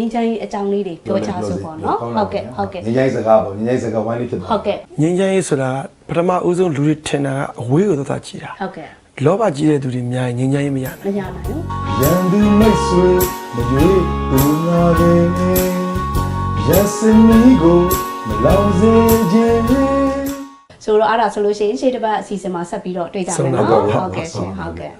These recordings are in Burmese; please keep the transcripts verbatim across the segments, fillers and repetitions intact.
င်းချမ်းရေးအကြောင်းလေးတွေပြောချဆိုပေါ့နော်ဟုတ်ကဲ့ဟုတ်ကဲ့ငင်းချမ်းရေးစကားပေါ့ငင်းချမ်းရေးစကားဝိုင်းလေးဖြစ်သွားဟုတ်ကဲ့ငင်းချမ်းရေးဆိုတာပထမဦးဆုံးလူတွေထင်တာကအဝေးကိုသွားကြည့်တာဟုတ်ကဲ့လောဘကြီးတဲ့သူတွေများငင်းချမ်းရေးမရနိုင်မရနိုင်ဘူးရန်သူမိတ်ဆွေမရွေးဘူးငါပဲရစမီကိုမလောင်စေခြင်းဆိုတော့အဲ့ဒါဆိုလို့ရှိရင်ရှေ့တစ်ပတ်အစီအစဉ်မှာဆက်ပြီးတော့တွေ့ကြမယ်နော်ဟုတ်ကဲ့ရှင်ဟုတ်ကဲ့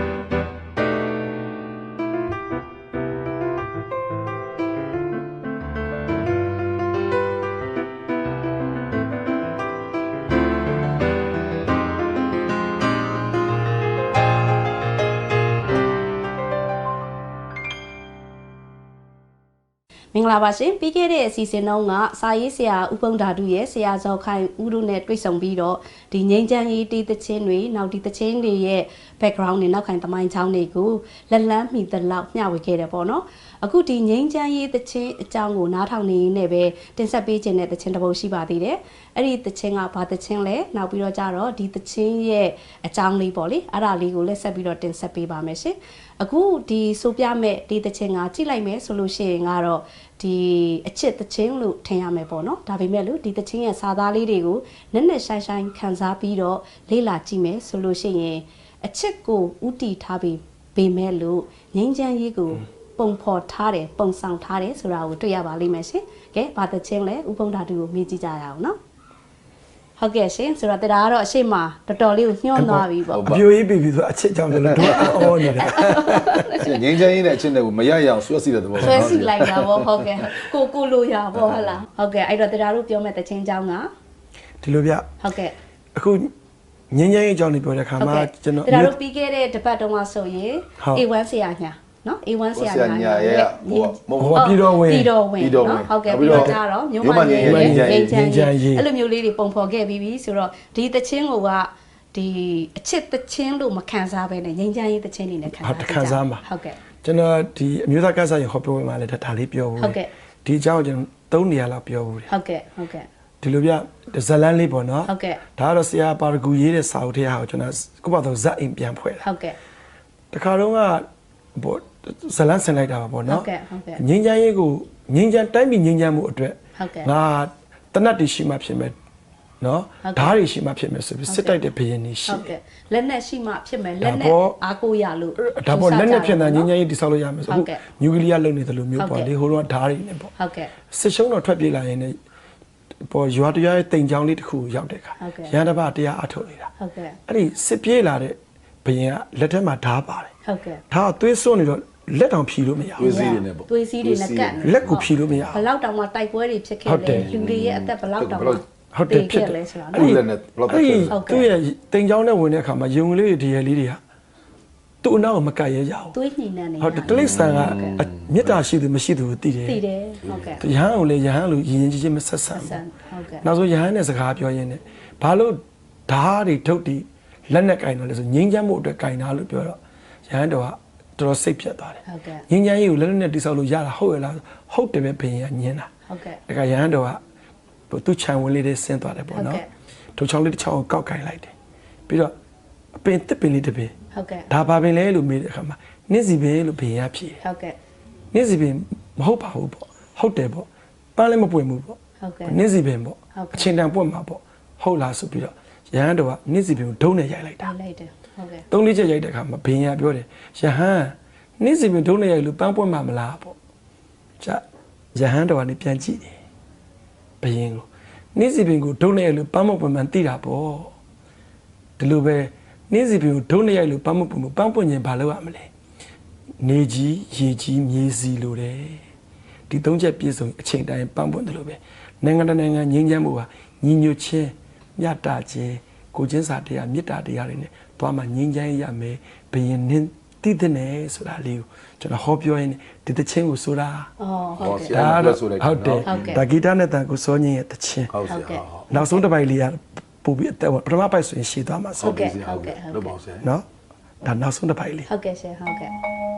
မင်္ဂလာပါရှင်ပြီးခဲ့တဲ့အစီအစဉ်တုန်းကစာရေးဆရာဦးပုံဓာတုရဲ့ဆရာဇော်ခိုင်ဦးတို့နဲ့တွေ့ဆုံပြီးတော့ဒီငိမ့်ချမ်းရေးတီးသချင်းတွေနောက်ဒီသချင်းတွေရဲ့ background တွေနောက်ခိုင်သမိုင်းချောင်းတွေကိုလက်လန်းမိသလောက်မျှဝေခဲ့တယ်ပေါ့နော်အခုဒီငိမ့်ချမ်းရေးသချင်းအကြောင်းကိုနားထောင်နေရင်းနဲ့ပဲတင်ဆက်ပေးခြင်းတဲ့သချင်းတစ်ပုဒ်ရှိပါသေးတယ်အဲ့ဒီသချင်းကဘာသချင်းလဲနောက်ပြီးတော့ကြတော့ဒီသချင်းရဲ့အကြောင်းလေးပေါ့လေအဲ့ဒါလေးကိုလက်ဆက်ပြီးတော့တင်ဆက်ပေးပါမယ်ရှင်အခုဒီဆိုပြမဲ့ဒီသချင်းကကြည့်လိုက်မယ်ဆိုလို့ရှိရင်ကတော့ဒီအချစ်သချင်းလို့ထင်ရမယ်ပေါ့နော်ဒါပေမဲ့လို့ဒီသချင်းရဲ့စာသားလေးတွေကိုနက်နက်ရှိုင်းရှိုင်းခန်းစားပြီးတော့လေ့လာကြည့်မယ်ဆိုလို့ရှိရင်အချစ်ကိုဥတီထားပြီးပေမဲ့လို့ငိမ့်ချမ်းရေးကိုပုံဖော်ထားတယ်ပုံဆောင်ထားတယ်ဆိုတာကိုတွေ့ရပါလိမ့်မယ်ရှင်ကဲဘာသချင်းလဲဥပုံဓာတုကိုမေးကြည့်ကြရအောင်နော်ဟုတ်ကဲ့ရှင်ဆိုတော့တရားကတော့အရှိမတော်တော်လေးကိုညှော့သွားပြီပေါ့အပြိုကြီးပြီပြီဆိုအချစ်ကြောင့်လည်းတော့အော်နေတယ်ငင်းချမ်းရေးနဲ့အချစ်နဲ့ကိုမရရအောင်ဆွဲစီတဲ့သဘောဆွဲစီလိုက်တာပေါ့ဟုတ်ကဲ့ကိုကိုလိုရပေါ့ဟုတ်လားဟုတ်ကဲ့အဲ့တော့တရားတို့ပြောမဲ့တချင်းเจ้าကဒီလိုဗျဟုတ်ကဲ့အခုငင်းချမ်းရေးအကြောင်းလေးပြောတဲ့ခါမှာကျွန်တော်တရားတို့ပြီးခဲ့တဲ့တပတ်တုန်းကဆိုရင် အေ ဝမ်း ဆရာညာနော် အေ ဝမ်း ဆရာညာရဲ့ဟိုဟိုပြည်တော်ဝင်ပြည်တော်ဝင်နော်ဟုတ်ကဲ့ပြီးတော့ကြတော့မြို့မငင်းငင်းချမ်းရေးအဲ့လိုမျိုးလေးတွေပုံဖော်ခဲ့ပြီးပြီဆိုတော့ဒီတချင်းကိုကဒီအချစ်တချင်းလို့မခံစားဘဲနဲ့ငင်းချမ်းရေးတချင်းတွေနဲ့ခံစားဟုတ်ခံစားမှာဟုတ်ကဲ့ကျွန်တော်ဒီအမျိုးသားကစားရင်ဟောပြောမှာလည်းဒါလေးပြောဘူးဟုတ်ကဲ့ဒီအကြောင်းကျွန်တော်သုံးနေရာလောက်ပြောဘူးဟုတ်ကဲ့ဟုတ်ကဲ့ဒီလိုပြဇလန်းလေးပေါ့နော်ဟုတ်ကဲ့ဒါကတော့ဆရာပါရဂူရေးတဲ့စာအုပ်ထဲဟာကိုကျွန်တော်ကိုယ့်ဘာသာဇက်အိမ်ပြန်ဖွဲ့တာဟုတ်ကဲ့တခါတော့ကဘောဇလန်းဆင်လိုက်တာပါပေါ့နော်ဟုတ်ကဲ့ဟုတ်ကဲ့ငင်းချမ်းရေးကိုငင်းချမ်းတိုင်းပြည်ငင်းချမ်းမှုအတွက်ဟုတ်ကဲ့ငါတနတ်တွေရှိမှဖြစ်မယ်နော်ဓာတ်တွေရှိမှဖြစ်မယ်ဆိုပြီးစစ်တိုက်တဲ့ဘရင်တွေရှိဟုတ်ကဲ့လက်နက်ရှိမှဖြစ်မယ်လက်နက်အားကိုးရလို့ဒါပေါ့လက်နက်ဖြစ်တာငင်းချမ်းရေးတိဆောက်လို့ရမယ်ဆိုအခုနျူကလ িয়ার လုံနေတယ်လို့မျိုးပေါ့လေဟိုတော့ဓာတ်တွေနဲ့ပေါ့ဟုတ်ကဲ့စစ်ရှုံးတော့ထွက်ပြေးလာရင်လည်းပေါ်ရွာတရားရဲ့တိမ်ချောင်းလေးတစ်ခုရောက်တဲ့အခါရန်တပတရားအထုတ်နေတာဟုတ်ကဲ့အဲ့ဒီစစ်ပြေးလာတဲ့ဘရင်ကလက်ထက်မှာဓာတ်ပါတယ်ဟုတ်ကဲ့ဓာတ်သွေးစွန်းနေတော့လက်တောင်ဖြီလို့မရဘူးသွေးစည်းတွေနဲ့ပေါ့သွေးစည်းတွေနဲ့ကတ်လက်ကိုဖြီလို့မရဘူးဘလောက်တောင်မှတိုက်ပွဲတွေဖြစ်ခဲ့တယ်လူတွေရဲ့အသက်ဘလောက်တောင်မှဟုတ်တယ်ဖြစ်တယ်ဆိုတာအဲ့ဒီလက်နဲ့ဘလောက်ဖြစ်တယ်သူ့ရဲ့တိမ်ချောင်းနဲ့ဝင်တဲ့အခါမှာယုံကလေးတွေဒီရလေးတွေကသူ့အနောက်ကိုမကတ်ရဲကြဘူးသွေးညှိနှံနေဟုတ်တယ်တလိษံကမေတ္တာရှိသူမရှိသူကိုသိတယ်သိတယ်ဟုတ်ကဲ့ရဟန်းကိုလည်းရဟန်းလိုယဉ်ယဉ်ကျေးကျေးမဆက်ဆံဘူးဟုတ်ကဲ့နောက်ဆုံးရဟန်းနဲ့စကားပြောရင်းနဲ့ဘာလို့ဓာတ်တွေထုတ်တီလက်နဲ့ကင်တော့လဲဆိုငိမ့်ချမ်းမှုအတွက်ကင်တာလို့ပြောတော့ရဟန်းတော်ကတော်တော်စိတ်ပြတ်သွားတယ်ဟုတ်ကဲ့ငိမ့်ချမ်းရေးကိုလက်နဲ့တိဆောက်လို့ရတာဟုတ်ရဲ့လားဟုတ်တယ်ပဲဘရင်ကညင်းတာဟုတ်ကဲ့ဒါကရဟန်းတော်ကသူ့ခြံဝင်လေးတွေဆင်းသွားတယ်ပေါ့နော်ထုံချောင်းလေးတစ်ချောင်းကိုကောက်ကင်လိုက်တယ်ပြီးတော့အပင်တစ်ပင်လေးတစ်ပင်ဟုတ်ကဲ့ဒါဘာပင်လဲလို့မေးတဲ့အခါမှာနင့်စီပင်လို့ဘရင်ကဖြေဟုတ်ကဲ့နင့်စီပင်မဟုတ်ပါဘူးပေါ့ဟုတ်တယ်ပေါ့ပန်းလည်းမပွင့်ဘူးပေါ့ဟုတ်ကဲ့နင့်စီပင်ပေါ့အချိန်တန်ပွင့်မှာပေါ့ဟုတ်လားဆိုပြီးတော့ရဟန်းတော်ကနင့်စီပင်ကိုဒုံးနဲ့ရိုက်လိုက်တာရိုက်လိုက်တယ်ဟုတ်ကဲ့သုံးလေးချက်ရိုက်တဲ့အခါမှာဘရင်ကပြောတယ်ရဟန်းနင့်စီပင်ဒုံးနဲ့ရိုက်လို့ပန်းပွင့်မှာမလားပေါ့ကြရဟန်းတော်ကနေပြန်ကြည့်တယ်ဘရင်ကိုနင့်စီပင်ကိုဒုံးနဲ့ရိုက်လို့ပန်းမပွင့်မှန်သိတာပေါ့ဒီလိုပဲနေ့စီပင်ကိုဒုံးနဲ့ရိုက်လို့ပန်းမပွင့်ဘူးပန်းပွင့်ရင်ဘာလုပ်ရမလဲနေကြီးရေကြီးမြေစီလိုတယ်ဒီသုံးချက်ပြည့်စုံအချိန်တိုင်းပန်းပွင့်တယ်လို့ပဲနိုင်ငံတကာနိုင်ငံငြိမ်းချမ်းမှုဟာညီညွတ်ခြင်းမြတ်တာခြင်းကိုချင်းစာတရားမေတ္တာတရားတွေနဲ့သွားမှငြိမ်းချမ်းရမယ်ဘယင်နင်းသိတဲ့နဲ့ဆိုတာလေးကိုကျွန်တော်ဟောပြောရင်းဒီတခြင်းကိုဆိုတာအော်ဟုတ်ကဲ့ဒါတော့ဟုတ်တယ်ဒါဂီတနဲ့တန်ကိုစောညင်းရဲ့တခြင်းဟုတ်ကဲ့နောက်ဆုံးတစ်ပိုက်လေးကပို့ပြီးအသက်ပထမပိုက်ဆိုရင်ရှည်သွားမှာဆိုဟုတ်ကဲ့ဟုတ်ကဲ့ဟုတ်ပါစေနော်ဒါနောက်ဆုံးတစ်ပိုက်လေးဟုတ်ကဲ့ရှင်ဟုတ်ကဲ့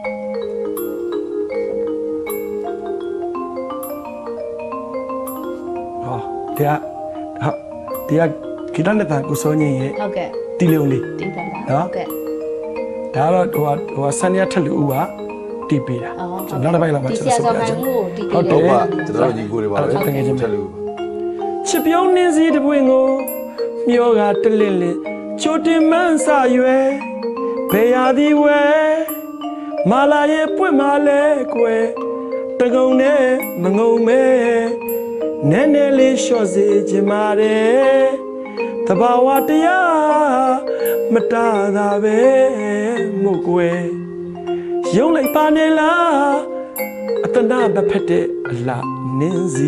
ဟောတရားဟာတရားဂီတနဲ့တန်ကိုစောညင်းရဲ့ဟုတ်ကဲ့တီလုံးလေးတီတန်နော်ဟုတ်ကဲ့ဒါတော့ဟိုဟိုဆန်ရထက်လူဦးကဒီတီးပေးတာကျွန်တော်နောက်တစ်ပိုက်လောက်မှကျွန်တော်ဆက်ပြချင်ဟုတ်တယ်ပါကျွန်တော်ညီကိုတွေပါပဲတကယ်ချင်းချက်လို့ချစ်ပြုံးနှင်းစီတပွင့်ကိုမျောကတလင့်လင့်ချိုတင်မန်းစာရွယ်ဘေရာဒီဝဲမာလာရဲ့ပွင့်မာလဲကွယ်တကုံနဲ့မငုံမဲနဲနဲလေးလျှော့စေချင်ပါတယ်တဘာဝတရားမတားတာပဲမို့ကွယ်ရုံးလိုက်ပါနေလားအတနာဘဖက်တဲ့အလားနင်းစီ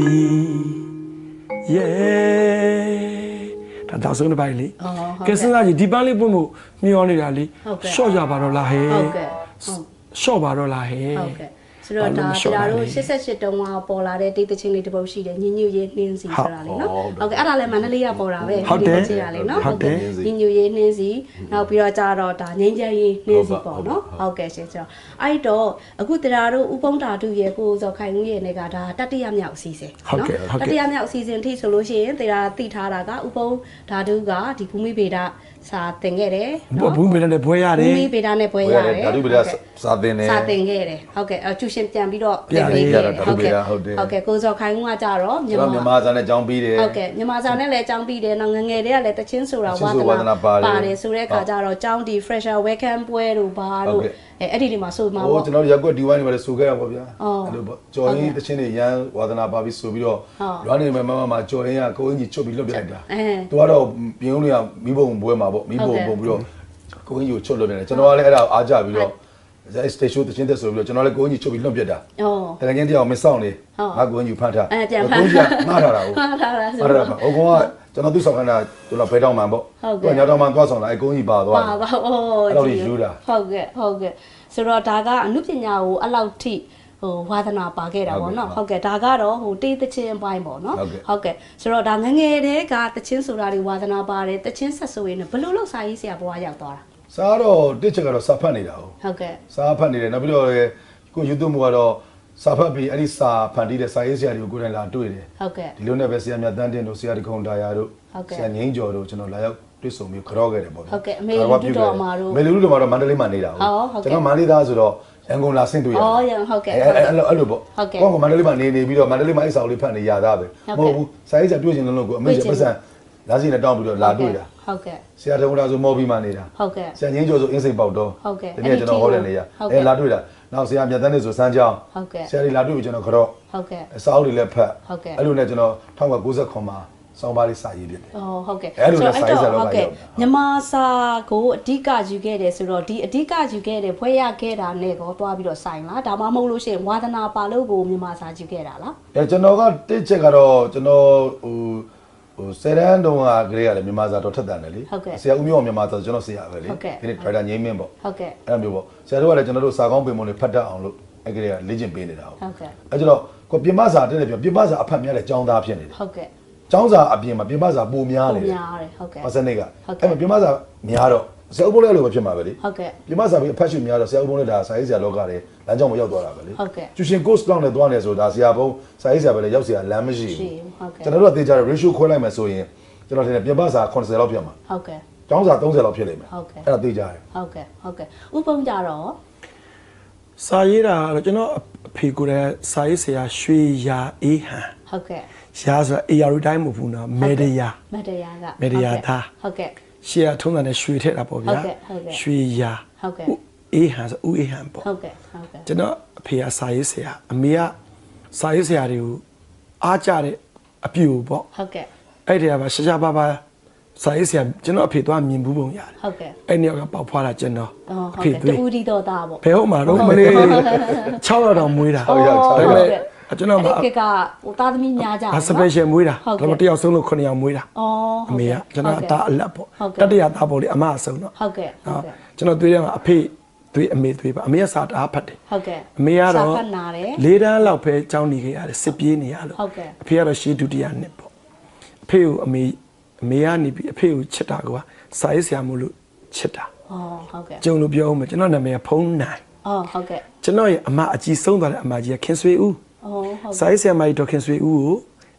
yeah ဒါတော့ဆုံးတစ်ပိုင်းလေကဲစဉ်းစားကြည့်ဒီပန်းလေးပွင့်ဖို့မျောနေတာလေရှော့ကြပါတော့လားဟဲ့ဟုတ်ကဲ့ရှော့ပါတော့လားဟဲ့ဟုတ်ကဲ့ဆိုတော့ဒါပြာတို့ရှစ်ဆက်ရှစ်တုံးကပေါ်လာတဲ့တိတ်တချင်းလေးတစ်ပုတ်ရှိတယ်ညညရေးနှင်းစီဆိုတာလေနော်ဟုတ်ကဲ့အဲ့ဒါလည်းမန္တလေးကပေါ်တာပဲဟုတ်တယ်ချင်းရလေနော်ဟုတ်ကဲ့ညညရေးနှင်းစီနောက်ပြီးတော့ကြာတော့ဒါငိမ့်ချမ်းရေးနှင်းစီပေါ့နော်ဟုတ်ကဲ့ရှင်ဆိုတော့အဲ့တော့အခုတရားတို့ဥပုံဓာတုရဲ့ကိုစောခိုင်ဦးရဲ့နေကဒါတတိယမြောက်အစီအစဉ်နော်တတိယမြောက်အစီအစဉ်ထိဆိုလို့ရှိရင်တရားသိထားတာကဥပုံဓာတုကဒီဘူမိဗေဒစာသင်ခဲ့တယ်နော်ဘူမိဗေဒနဲ့ဘွဲရတယ်ဘူမိဗေဒနဲ့ဘွဲရတယ်ဓာတုဗေဒစာသင်တယ်စာသင်ခဲ့တယ်ဟုတ်ကဲ့အကျူရှင်ပြန်ပြီးတော့ပြန်ပြီးတော့ဟုတ်ကဲ့ဟုတ်ကဲ့ကိုစောခိုင်ဦးကကြတော့မြန်မာမြန်မာစာနဲ့အကြောင်းပြီးတယ်ဟုတ်ကဲ့မြန်မာစာနဲ့လည်းအကြောင်းပြီးတယ်နော်ငငယ်တည်းကလည်းတချင်းဆိုတာဝါသနာပါတယ်ဆိုတဲ့အခါကျတော့အကြောင်းဒီ fresher welcome ပွဲတို့ဘာတို့အဲအဲ့ဒီဒီမှာဆိုမှာပေါ့ကျွန်တော်ရက်ကွက်ဒီဝိုင်းတွေလည်းဆိုခဲ့ရပါဗျာအဲ့လိုပေါ့ကြော်ရင်းတချင်းတွေရန်ဝါသနာပါပြီးဆိုပြီးတော့လွမ်းနေမှာမမမှာကြော်ရင်းကကိုအင်ကြီးချွတ်ပြီးလွတ်ပြလိုက်တာသူကတော့ပြင်းဦးတွေကမိဘုံပွဲမှာပေါ့မိဘုံပုံပြီးတော့ကိုအင်ကြီးကိုချွတ်လွတ်နေတယ်ကျွန်တော်ကလည်းအဲ့ဒါကိုအားကြပြီးတော့အဲစတေရှိုးတချင်းတက်ဆိုပြီးတော့ကျွန်တော်လည်းကိုအင်ကြီးချွတ်ပြီးလွတ်ပြတာဩတကယ်ချင်းတရားမစောင့်နေငါကိုအင်ကြီးဖမ်းထားအဲပြန်ဖမ်းထားမှားထားတာဟုတ်မှားထားတာဆိုတော့ဟိုကောင်ကကျွန်တော်သူ့ဆောင်ခန္ဓာကျွန်တော်ဘဲတောင်းမှန်ပေါ့သူကညတောင်းမှန်သွားဆောင်လာအဲကိုအင်ကြီးပါသွားပါပါဩအဲ့လိုယူတာဟုတ်ကဲ့ဟုတ်ကဲ့ဆိုတော့ဒါကအမှုပညာကိုအဲ့လောက်ထိဟိုဝါသနာပါခဲ့တာပေါ့နော်ဟုတ်ကဲ့ဒါကတော့ဟိုတေးသချင်းအပိုင်းပေါ့နော်ဟုတ်ကဲ့ဆိုတော့ဒါငငယ်တည်းကသချင်းဆိုတာတွေဝါသနာပါတယ်သချင်းဆက်ဆိုရင်ဘယ်လိုလုပ်စာရေးဆရာဘွားရောက်သွားတာစားတော့တစ်ချက်ကတော့စာဖတ်နေတာဟုတ်ကဲ့စာဖတ်နေတယ်နောက်ပြီးတော့ကို YouTube မှာတော့စာဖတ်ပြီးအဲ့ဒီစာဖန်တီးတဲ့စာရေးဆရာတွေကိုကိုယ်တိုင်လာတွေ့တယ်ဟုတ်ကဲ့ဒီလိုနဲ့ပဲဆရာမြတ်တန်းတင်တို့ဆရာဒီခုံတာယာတို့ဆရာငိမ့်ကျော်တို့ကျွန်တော်လာရောက်တွေ့ဆုံပြီးကြော့ခဲ့တယ်ပေါ့ဟုတ်ကဲ့အမေလူတို့တော်မှာတို့အမေလူတို့တော်မှာတော့မန္တလေးမှာနေတာဟုတ်ကျွန်တော်မန္တလေးသားဆိုတော့ရန်ကုန်လာဆင့်တွေ့ရတယ်။အော်ရန်ဟုတ်ကဲ့။အဲ့လိုအဲ့လိုပေါ့။ဟုတ်ကဲ့။ကိုကမန္တလေးမှာနေနေပြီးတော့မန္တလေးမှာအိတ်ဆောင်လေးဖတ်နေရတာပဲ။မဟုတ်ဘူး။စာရေးစာတွေ့ချင်လို့ကိုအမေကျပတ်စံလာစီနဲ့တောင်းပြီးတော့လာတွေ့တာ။ဟုတ်ကဲ့။ဆရာတုံးလာဆိုမော်ဘီမှာနေတာ။ဟုတ်ကဲ့။ဆရာငင်းကျော်ဆိုအင်းစိန်ပေါက်တော့။ဟုတ်ကဲ့။ဒီနေ့ကျွန်တော်ဟောတဲ့နေရ။အဲလာတွေ့တာ။နောက်ဆရာမြတ်တန်းနေဆိုစမ်းကြောင်း။ဟုတ်ကဲ့။ဆရာကြီးလာတွေ့ပြီးကျွန်တော်ကြော့။ဟုတ်ကဲ့။အစာအုပ်တွေလည်းဖတ်။ဟုတ်ကဲ့။အဲ့လိုနဲ့ကျွန်တော်၁၉၉၇မှာစောင်းပါးလေးစာရေးပြတယ်။အော်ဟုတ်ကဲ့။အဲ့လိုနဲ့စာရေးစာတော့ဟုတ်ကဲ့။မြန်မာစာကိုအဓိကယူခဲ့တယ်ဆိုတော့ဒီအဓိကယူခဲ့တယ်ဖွဲ့ရခဲ့တာနဲ့ကောသွားပြီးတော့ဆိုင်လားဒါမှမဟုတ်လို့ရှိရင်ဝါသနာပါလို့ကိုမြန်မာစာယူခဲ့တာလား။အဲကျွန်တော်ကတစ်ချက်ကတော့ကျွန်တော်ဟိုဟိုဆယ်တန်းတုန်းကကလေးကလည်းမြန်မာစာတော့ထက်တန်တယ်လေ။ဆရာဦးမျိုးအောင်မြန်မာစာကျွန်တော်ဆရာပဲလေ။ဒီနေ့ Trader ငိမ့်မင်းပေါ့။ဟုတ်ကဲ့။အဲ့လိုမျိုးပေါ့။ဆရာတို့ကလည်းကျွန်တော်တို့စာကောင်းပင်မုံတွေဖတ်တတ်အောင်လို့အဲ့ကလေးကလေ့ကျင့်ပေးနေတာဟုတ်။ဟုတ်ကဲ့။အဲကျွန်တော်ကိုပြမစာတက်တယ်ပြောပြမစာအဖတ်များတဲ့ចောင်းသားဖြစ်နေတယ်။ဟုတ်ကဲ့။ကျောင်းစာအပြင်မှာပြမစာပိုများတယ်များတယ်ဟုတ်ကဲ့ပါစနစ်ကအဲ့မှာပြမစာများတော့ဆရာဥပုံလေးလိုပဲဖြစ်မှာပဲလေဟုတ်ကဲ့ပြမစာပြီးအဖတ်ရှုများတော့ဆရာဥပုံလေးဒါစာရေးဆရာလောကတွေလမ်းကြောင်းမရောက်သွားတာပဲလေဟုတ်ကဲ့ကျူရှင် course လောက်နဲ့သွားနေဆိုဒါဆရာဘုံစာရေးဆရာပဲလေရောက်ဆရာလမ်းမရှိဘူးဟုတ်ကဲ့ကျွန်တော်တို့ကသိကြတယ် ratio ခွဲလိုက်မယ်ဆိုရင်ကျွန်တော်ထင်တယ်ပြမစာeightyလောက်ဖြစ်မှာဟုတ်ကဲ့ကျောင်းစာthirtyလောက်ဖြစ်လိမ့်မယ်ဟုတ်ကဲ့အဲ့ဒါသိကြတယ်ဟုတ်ကဲ့ဟုတ်ကဲ့ဥပုံကြတော့စာရေးတာတော့ကျွန်တော်အဖေကိုယ်တိုင်စာရေးဆရာရွှေရာအေးဟန်ဟုတ်ကဲ့ရှားဆိုတာအေယာရူတိုင်းမဟုတ်ဘူးနော်မေဒီယာမေဒီယာကမေဒီယာသားဟုတ်ကဲ့ရှေ့ကထုံးတဲ့ရွှေထက်တာပေါ့ဗျာဟုတ်ကဲ့ဟုတ်ကဲ့ရွှေရာဟုတ်ကဲ့အေးဟန်ဆိုဦးအေးဟန်ပေါ့ဟုတ်ကဲ့ဟုတ်ကဲ့ကျွန်တော်အဖေကစာရေးဆရာအမေကစာရေးဆရာတွေကိုအားကြတဲ့အပြူပေါ့ဟုတ်ကဲ့အဲ့ဒီကပါရှားရှားပါပါစာရေးဆရာကျွန်တော်အဖေသွားမြင်ဘူးပုံရတယ်ဟုတ်ကဲ့အဲ့ဒီကပေါက်ဖွားတာကျွန်တော်အဖေတူဦးဒီတော်သားပေါ့ဘယ်ဟုတ်မှာတော့မလေး၆ရောက်တော့မွေးတာဟုတ်ကဲ့ဒါပေမဲ့ကျွန်တော်ကကဟိုသားသမီးများကြတယ် special မွေးတာဒါပေမဲ့တယောက်ဆုံးလို့ခုနှစ်ယောက်မွေးတာအော်အမေကကျွန်တော်အသားအလက်ပေါ့တတိယသားပေါ့လေအမအဆုံးတော့ဟုတ်ကဲ့ဟုတ်ကဲ့ကျွန်တော်သွေးထဲမှာအဖေသွေးအမေသွေးပါအမေကစာတအားဖတ်တယ်ဟုတ်ကဲ့အမေကတော့စာဖတ်နာတယ်လေးတန်းလောက်ပဲကြောင်းနေခဲ့ရတယ်စစ်ပြေးနေရလို့ဟုတ်ကဲ့အဖေကတော့ရှေးဒုတိယနှစ်ပေါ့အဖေကိုအမေအမေကနေပြီးအဖေကိုချစ်တာကွာစာရေးဆရာမို့လို့ချစ်တာအော်ဟုတ်ကဲ့ကျုံလို့ပြောဦးမယ်ကျွန်တော်နာမည်ကဖုံးနိုင်အော်ဟုတ်ကဲ့ကျွန်တော်ရဲ့အမအကြီးဆုံးသွားတဲ့အမကြီးကခင်ဆွေဦးအော်ဟုတ်စာရေးဆရာမကြီးဒေါက်ခင်ဆွေဦးကို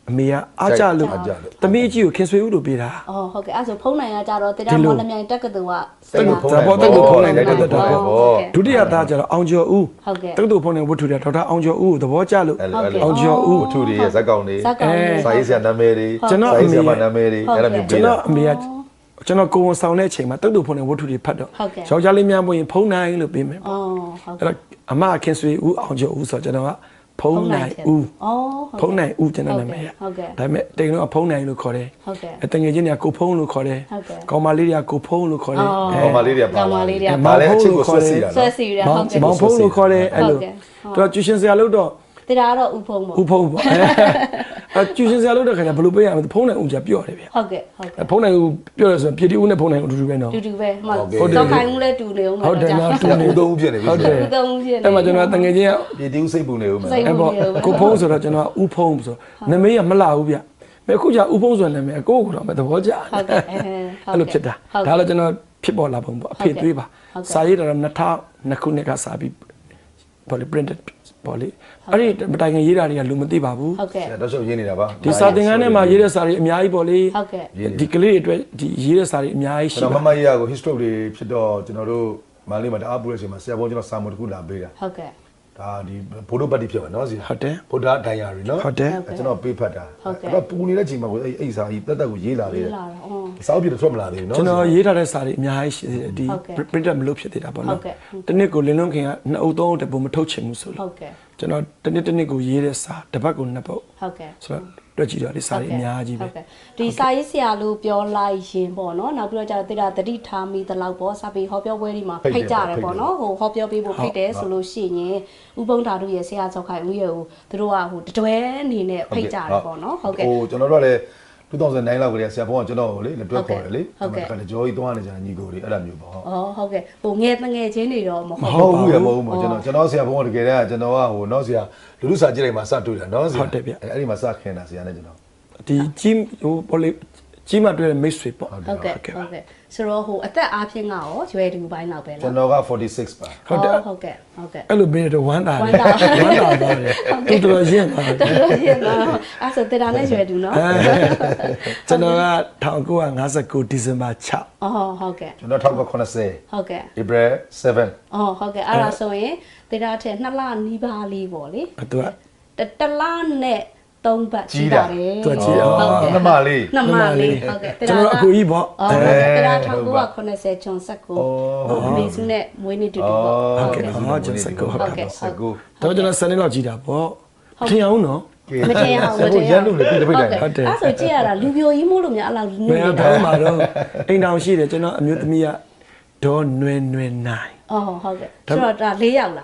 အမေကအားကြလို့သမီးကြီးကိုခင်ဆွေဦးလို့ပြေးတာအော်ဟုတ်ကဲ့အဲ့ဆိုဖုန်းနိုင်ရကြတော့တရားမော်လမြိုင်တက္ကသိုလ်ကတက်လို့ဖုန်းဒါပေါ်တက်လို့ဖုန်းနိုင်တယ်တက်တက်တက် ဒုတိယသားကျတော့အောင်ကျော်ဦးဟုတ်ကဲ့တက္ကသိုလ်ဖုန်းနဲ့ဝတ္ထုတွေဒေါက်တာအောင်ကျော်ဦးကိုသဘောကျလို့အဲ့လိုအဲ့လိုအောင်ကျော်ဦးဝတ္ထုတွေရဲ့ဇက်ကောင်တွေဇက်ကောင်တွေစာရေးဆရာနာမည်တွေကျွန်တော်စာအရေးဆမေရာမနာမည်တွေအဲ့လိုမျိုးကျွပေးန်တာတော်အမေကကျွန်တော်ကိုယ်ဝန်ဆောင်တဲ့အချိန်မှာတက္ကသိုလ်ဖုန်းနဲ့ဝတ္ထုတွေဖတ်တော့ဟုတ်ကဲ့ယောက်ျားလေးများမွေးရင်ဖုန်းနိုင်လို့ပေးမယ်ပေါ့အော်ဟုတ်အဲ့တော့အမခင်ဆွေဦးအောင်ကျော်ဦးဆိုတော့ကျွန်တော်ကဖုန်းနိုင်ဦးအော်ဖုန်းနိုင်ဦးကျွန်တော်နာမည်ရဟုတ်ကဲ့ဒါပေမဲ့တိန်တော့ဖုန်းနိုင်လို့ခေါ်တယ်ဟုတ်ကဲ့အတငယ်ချင်းတွေကကိုဖုန်းလို့ခေါ်တယ်ဟုတ်ကဲ့ကောင်မလေးတွေကကိုဖုန်းလို့ခေါ်တယ်ကောင်မလေးတွေကပါကောင်မလေးတွေကပါလဲအချစ်ကိုဆွဲစီတာဆွဲနော်စီရမောဟုင်တ်ကဲ့မောင်ဖုန်းလို့ခေါ်တယ်အဲ့လိုဟုတ်ကဲ့သူကကျူရှင်ဆရာလို့တော့တရားတော့ဥဖုံးပေါ့ဦးဖုန်းပေါ့အဲကျူရှင်ဆရာလို့တော့ခင်ဗျာဘယ်လိုပေးရမလဲဖုန်းနိုင်ဦးကြပြော့တယ်ဗျဟုတ်ကဲ့ဟုတ်ကဲ့ဖုန်းနိုင်ဦးပြောရဆိုပြည်တီဦးနဲ့ဖုန်းနိုင်ဦးအတူတူပဲနော်တူတူပဲမှတော့ခိုင်းမှုလဲတူနေအောင်ဟုတ်တယ်နော်တူဦးသုံးဦးဖြစ်နေပြီဟုတ်တယ်တူသုံးဖြစ်နေအဲ့မှာကျွန်တော်တငယ်ချင်းကပြည်တီဦးစိတ်ပူနေဦးမယ်စိတ်အဲ့ပေါ့ကိုဖုန်းဆိုတော့ကျွန်တော်ဦးဖုန်းဆိုနာမည်ကမလှဘူးဗျမအခုကျဦးဖုန်းဆိုနာမည်ကိုကိုတော့မသဘောကျဟုတ်ကဲ့အဲအဲ့လိုဖြစ်တာဒါလည်းကျွန်တော်ဖြစ်ပေါ်လာပုံပေါ့အဖေသွေးပါစာရေးတော့နှစ်ထောင်နှစ်ခုနှစ်ကစာပြီးပေါ့လေ printed ပေါ့လေအဲ့ဒီမတိုင်ခင်ရေးတာတွေကလူမသိပါဘူးဟုတ်ကဲ့တော့ရှုပ်ရင်းနေတာပါဒီစာသင်ခန်းထဲမှာရေးတဲ့စာတွေအများကြီးပေါ့လေဟုတ်ကဲ့ဒီကလေးတွေအတွက်ဒီရေးတဲ့စာတွေအများကြီးရှိကျွန်ပါတော်မမကြီးကကို history တွေဖြစ်တော့ကျွန်တော်တို့မန္တလေးမှာတအားပူတဲ့အချိန်မှာဆရာဘုန်းကျွန်တော်စာမတစ်ခုလာပေးတာဟုတ်ကဲ့ဒါဒီဘိုးတို့ပတ်တိဖြစ်ပါနော်စီဟုတ်တယ်ဘုရားဒိုင်ယာရီနော်ဟုတ်တယ်ကျွန်တော်ပေးဖတ်တာဟုတ်ကဲ့အဲ့ပူနေတဲ့ချိန်မှာကိုအဲ့အဲ့စာကြီးတက်တက်ကိုရေးလာသေးတယ်လာတော့အော်စာအုပ်ပြတော့ထွက်မလာသေးဘူးနော်ကျွန်တော်ရေးထားတဲ့စာတွေအများကြီးရှိသေးတယ်ဒီဟုတ်ကဲ့ printed မလုပ်ဖြစ်သေးတာပေါ့ဟုနော်တ်ကဲ့တနစ်ကိုလင်းလုံးခင်ကနှစ်အုပ်သုံးအုပ်တပုံမထုတ်ချင်ဘူးဆိုဟုလို့တ်ကဲ့ကျွန်တော်တနစ်တနစ်ကိုရေးတဲ့စာတစ်ပတ်ကိုနှစ်ပုတ်ဟုတ်ကဲ့ဆိုတော့တွက်ကြည့်တော့ဒီစာတွေအများကြီးပဲဟုတ်ကဲ့ဒီစာရေးဆရာလို့ပြောလိုက်ရင်ပေါ့နော်နောက်ပြီးတော့ကျတော့တိတာတတိထားမိသလောက်ပေါ့စာပေဟောပြောပွဲတွေမှာဖိတ်ကြတယ်ပေါ့နော်ဟိုဟောပြောပေးဖို့ဖိတ်တယ်ဆိုလို့ရှိရင်ဥပုံဓာတုရဲ့ဆရာကျော်ခိုင်ဦးရဲ့ဟိုသူတို့ကဟိုတတွဲအနေနဲ့ဖိတ်ကြတယ်ပေါ့နော်ဟုတ်ကဲ့ဟိုကျွန်တော်တို့ကလည်းtwo thousand nineလောက်ကလေးဆရာဘုန်းကကျွန်တော်ကိုလေလက်တွဲခေါ်တယ်လေဟုတ်ကဲ့ခါလေကြောကြီးသွားနေကြညီကိုတွေအဲ့လိုမျိုးပေါ့ဟုတ်အော်ဟုတ်ကဲ့ဟိုငယ်တငယ်ချင်းတွေတော့မမဟုတ်ဟုတ်ဘူးဘူးရမဟုတ်ဘူးကျွန်တော်ကျွန်တော်ဆရာဘုန်းကတကယ်တည်းကကျွန်တော်ကဟိုနော်ဆရာလူလူစာကြည့်လိုက်မှာစတွေ့တာနော်ဆရာအဲ့ဒီမှာစခင်တာဆရာနဲ့ကျွန်တော်ဒီကြီးဟိုပေါ့လေကြီးမှတွေ့တဲ့မိတ်ဆွေပေါ့ဟုတ်ကဲ့ဟုတ်ကဲ့ဆိုတော့ဟိုအသက်အားဖြင့်ကရောရွယ်တူပိုင်းလောက်ပဲလားကျွန်တော်ကforty-sixပါဟုတ်တယ်ဟုတ်ကဲ့ဟုတ်ကဲ့အဲ့လိုပေးတော့ဝမ်းသာဝတယ်မ်းသာဝမ်းသာသွားတယ်တူတော်ရင့်သွားတယ်တော်တော်ရှင်းတော့အဲ့ဆိုတေတာနဲ့ရွယ်တူနော်ကျွန်တော်ကnineteen fifty-nineဒီဇင်ဘာsix အော်ဟုတ်ကဲ့ကျွန်တော်one thousand ninety ဟုတ်ကဲ့ April seven အော်ဟုတ်ကဲ့အဲ့ဒါဆိုရင်တေတာထက်နှစ်လနီးပါးလေးပေါ့လေသူကတတလနဲ့သုံးပတ်ကြီးတာတယ်သူကကြီးအောင်ဟုတ်ကဲ့နှစ်မလေးနှစ်မလေးဟုတ်ကဲ့တေကျွန်တာတော်အကူကြီးပေါ့အော်တေတာone thousand nine hundred eightyဂျွန်ဆက်ကိုဟိုမေစုနဲ့မွေးနေ့တူတူပေါ့ဟုတ်ကဲ့ဟောကျွန်တော်စကောဟုတ်ဟုတ်ကဲ့ကဲ့စကူတော့ကျွန်တော်စနေလောက်ကြည့်တာပေါ့ထင်အောင်နော်မတင်အောင်မတင်ရန်လို့လေပြတပိတ်တိုင်ဟုတ်တယ်အဲ့ဆိုကြည့်ရတာလူပြိုကြီးမို့လို့များအဲ့လောက်နူးဘယ်နေတာတော့မှတော့အိမ်တောင်ရှိတယ်ကျွန်တော်အမျိုးသမီးကဒေါ်နွယ်နွယ်နိုင်အော်ဟုတ်ကဲ့ဆိုတော့ဒါ၄ယောက်လား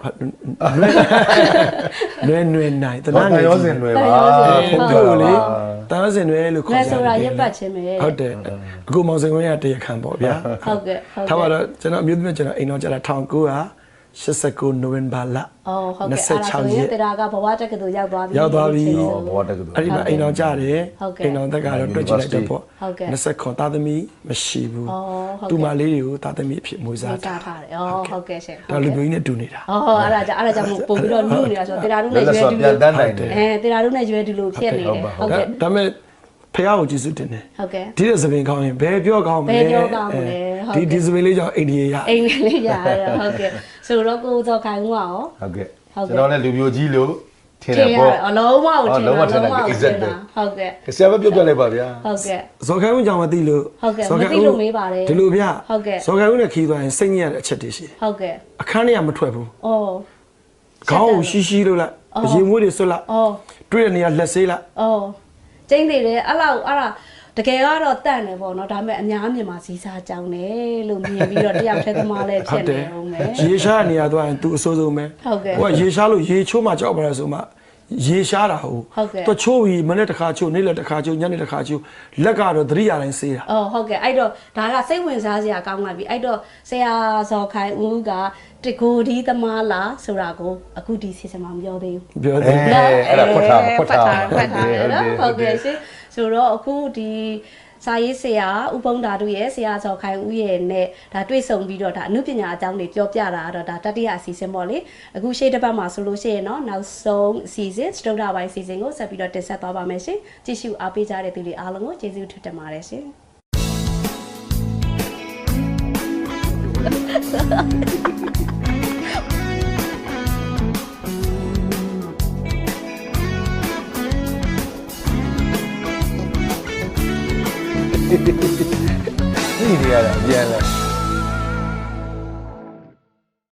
နွယ်နွယ်နိုင်တဘာနာသာနေရောစင်တွေပါဖုန်းပြောလေတားစင်တွေလို့ခေါ်လဲကြဆိုတာရက်ပတ်ချင်းပဲဟုတ်တယ်အခုမောင်စင်ဝင်းကတရားခံပေါ့ဗျာဟုတ်ကဲ့ဟုတ်ထားပါကဲ့တော့ကျွန်တော်အမျိုးသမီးကျွန်တော်အိမ်တော်ကျတာone thousand nine hundred eighty-nineနိုဝင်ဘာလအော်ဟုတ်ကဲ့အဲ့ဒါဆိုရင်တရားကဘဝတက္ကသိုလ်ရောက်သွားပြီရောက်သွားပြီဟောဘောတက်ကတူအဲ့ဒီမှာအိမ်တော်ကြတယ်ဟုတ်ကဲ့အိမ်တော်သက်ကတော့တွက်ကြည့်လိုက်တော့ပေါ့ဟုတ်ကဲ့ twenty-nineသားသမီးမရှိဘူးအော်ဟုတ်ကဲ့သူမလေးတွေကိုသားသမီးအဖြစ်မွေးစားစားတာထားတယ်အော်ဟုတ်ကဲ့ရှင်ဒါလူမျိုးကြီးနဲ့တူနေတာအော်အဲ့ဒါကြောင့်အဲ့ဒါကြောင့်ပို့ပြီးတော့နုနေတာဆိုတော့တရားတို့လက်နဲ့လက်ရွယ်ဆော်တူပြန်တန်းနိုင်တယ်အဲတရားတို့နဲ့ရွယ်တူလို့ဖြစ်နေတယ်ဟုတ်ကဲ့ဒါပေမဲ့ဖះကိုကျေးဇူးတင်တယ်ဟုတ်ကဲ့ဒီတဲ့သပင်ကောင်းရင်ဘယ်ပြောကောင်းမလဲဘယ်ပြောကောင်းမလဲဟုတ်ကဲ့ဒီဒီသပင်လေးကြောင့်အိန္ဒိယရအိမ်လေးရရဟုတ်ကဲ့ဆိုတော့ကိုစောခိုင်ဦးကရောဟုတ်ကဲ့ဟုတ်ကဲ့ကျွန်တော်လည်းလူမျိုးကြီးလို့ထင်ထတယ်င်ရပေါ့အလုံးမကိုထင်တာလုံးဝထင်တယ်လုံးဝကိုထင် exact တာဟုတ်ကဲ့ဆရာပဲပြောပြလိုက်ပါဗျာဟုတ်ကဲ့ဇော်ခိုင်ဦးကြောင့်မသိလို့ဟုတ်ကဲ့ဇော်ခိုင်မသိလို့မေးပါတယ်ဒီလိုဗျဟုတ်ကဲ့ဇော်ခိုင်ဦးနဲ့ခီးသွားရင်စိတ်ညစ်ရတဲ့အချက်တွေရှိတယ်ဟုတ်ကဲ့အခန်းထဲကမထွက်ဘူးအော်ခေါင်းကိုရှိရှိလို့လိုက်ရေမွေးတွေဆွတ်လိုက်အော်တွေ့တဲ့နေရာလက်ဆေးလိုက်အော်ကျင်းသေးတယ်အဲ့လောက်အဲ့ဒါတကယ်ကတော့တန့်တယ်ပေါ့နော်ဒါပေမဲ့အများမြန်မာစီစားကြောင်းတယ်လို့မြင်ပြီးတော့တယောက်တည်းသမားလည်းဖြစ်နေအောင်မယ်ရေရှားနေရာသွားရင် तू အဆိုးဆုံးပဲဟုတ်ကဲ့ဟိုကရေရှားလို့ရေချိုးမှကြောက်ပါလဲဆိုမှရေရှားတာဟုတ်ဟုတ်ကဲ့သူချိုးပြီးမနေ့တစ်ခါချိုးနေ့လည်းတစ်ခါချိုးညနေတစ်ခါချိုးလက်ကတော့သတိရတိုင်းဆေးတာအော်ဟုတ်ကဲ့အဲ့တော့ဒါကစိတ်ဝင်စားစရာကောင်းလာပြီအဲ့တော့ဆရာဇော်ခိုင်ဦးကတကိုဒီသမားလားဆိုတာကိုအခုဒီစီစဉ်မှာမပြောသေးဘူးပြောအဲတယ်အဲ့ဒါဖွက်ထားဖွက်ထားဖွက်ထားတယ်နော်ဟုတ်ကဲ့ရှင်ဆိုတော့အခုဒီစာရေးဆရာဥပုံဓာတုရဲ့ဆရာဇော်ခိုင်ဦးရဲ့နဲ့ဒါတွေ့ဆုံပြီးတော့ဒါအမှုပညာအကြောင်းတွေပြောပြတာတော့ဒါတတိယအစီအစဉ်ပေါ့လေအခုရှေ့တစ်ပတ်မှာဆိုလို့ရှိရင်တော့နောက်ဆုံးအစီအစဉ်စတုဒ္ဓပိုင်းအစီအစဉ်ကိုဆက်ပြီးတော့တင်ဆက်သွားပါမယ်ရှင်ကြည့်ရှုအားပေးကြတဲ့သူတွေအားလုံးကိုကျေးဇူးတင်ပါတယ်ရှင်你厉害了，厉害了。